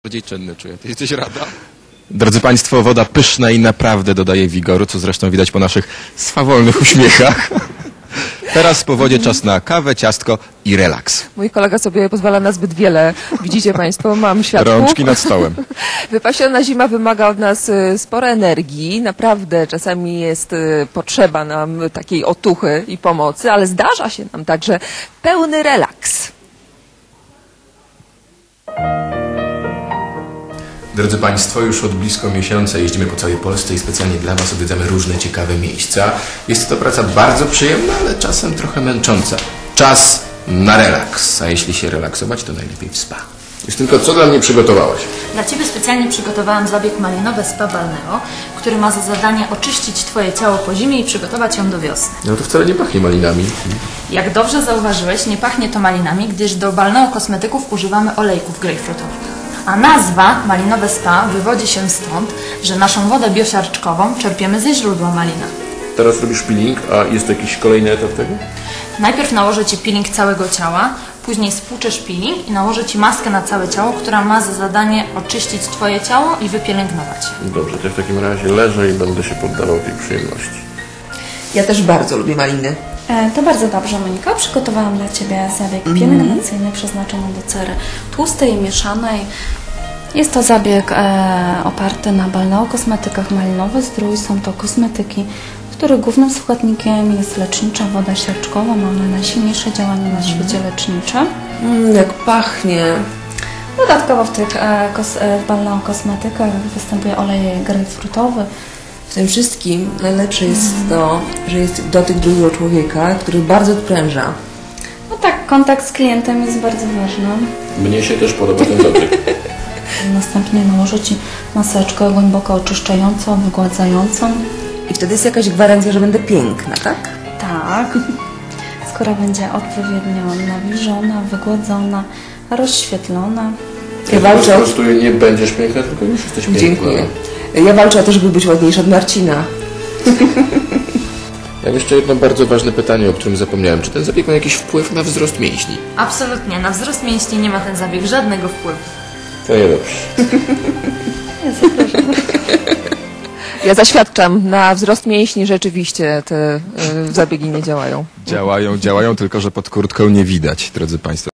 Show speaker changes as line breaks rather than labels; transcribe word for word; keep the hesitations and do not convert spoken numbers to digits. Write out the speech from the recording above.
Bardziej czynny czuję. Ty jesteś rada? Drodzy Państwo, woda pyszna i naprawdę dodaje wigoru, co zresztą widać po naszych swawolnych uśmiechach. Teraz po wodzie czas na kawę, ciastko i relaks.
Mój kolega sobie pozwala na zbyt wiele. Widzicie Państwo, mam światło.
Rączki nad stołem.
Wypasiona zima wymaga od nas sporo energii. Naprawdę czasami jest potrzeba nam takiej otuchy i pomocy, ale zdarza się nam także pełny relaks.
Drodzy Państwo, już od blisko miesiąca jeździmy po całej Polsce i specjalnie dla Was odwiedzamy różne ciekawe miejsca. Jest to praca bardzo przyjemna, ale czasem trochę męcząca. Czas na relaks, a jeśli się relaksować, to najlepiej w spa. Już tylko co dla mnie przygotowałaś?
Dla Ciebie specjalnie przygotowałam zabieg malinowe Spa Balneo, który ma za zadanie oczyścić Twoje ciało po zimie i przygotować ją do wiosny.
No to wcale nie pachnie malinami.
Jak dobrze zauważyłeś, nie pachnie to malinami, gdyż do Balneo kosmetyków używamy olejków grejpfrutowych. A nazwa malinowe spa wywodzi się stąd, że naszą wodę biosiarczkową czerpiemy ze źródła malina.
Teraz robisz peeling, a jest to jakiś kolejny etap tego?
Najpierw nałożę Ci peeling całego ciała, później spłuczesz peeling i nałożę Ci maskę na całe ciało, która ma za zadanie oczyścić Twoje ciało i wypielęgnować.
Dobrze, to w takim razie leżę i będę się poddawał tej przyjemności.
Ja też bardzo lubię maliny.
E, to bardzo dobrze, Monika. Przygotowałam dla Ciebie zabieg mm. pielęgnacyjny przeznaczony do cery tłustej i mieszanej. Jest to zabieg e, oparty na Balneo kosmetykach Malinowy Zdrój. Są to kosmetyki, których głównym składnikiem jest lecznicza woda siarczkowa. Ma ona najsilniejsze działanie na świecie lecznicze.
Mm, jak pachnie.
Dodatkowo w tych e, kos, e, Balneo kosmetykach występuje olej grejpfrutowy.
W tym wszystkim najlepsze jest to, że jest dotyk drugiego człowieka, który bardzo odpręża.
No tak, kontakt z klientem jest bardzo ważny.
Mnie się też podoba ten dotyk.
Następnie nałożę Ci maseczkę głęboko oczyszczającą, wygładzającą.
I wtedy jest jakaś gwarancja, że będę piękna, tak?
Tak. Skóra będzie odpowiednio nawilżona, wygładzona, rozświetlona.
Ja walczę.
Po prostu nie będziesz piękna, tylko już jesteś piękna.
Dziękuję. Ja walczę o to, żeby być ładniejsza od Marcina.
Ja mam jeszcze jedno bardzo ważne pytanie, o którym zapomniałem. Czy ten zabieg ma jakiś wpływ na wzrost mięśni?
Absolutnie, na wzrost mięśni nie ma ten zabieg żadnego wpływu.
To nie dobrze.
Ja zapraszam.
Ja zaświadczam, na wzrost mięśni rzeczywiście te y, zabiegi nie działają.
Działają, działają, tylko że pod kurtką nie widać, drodzy Państwo.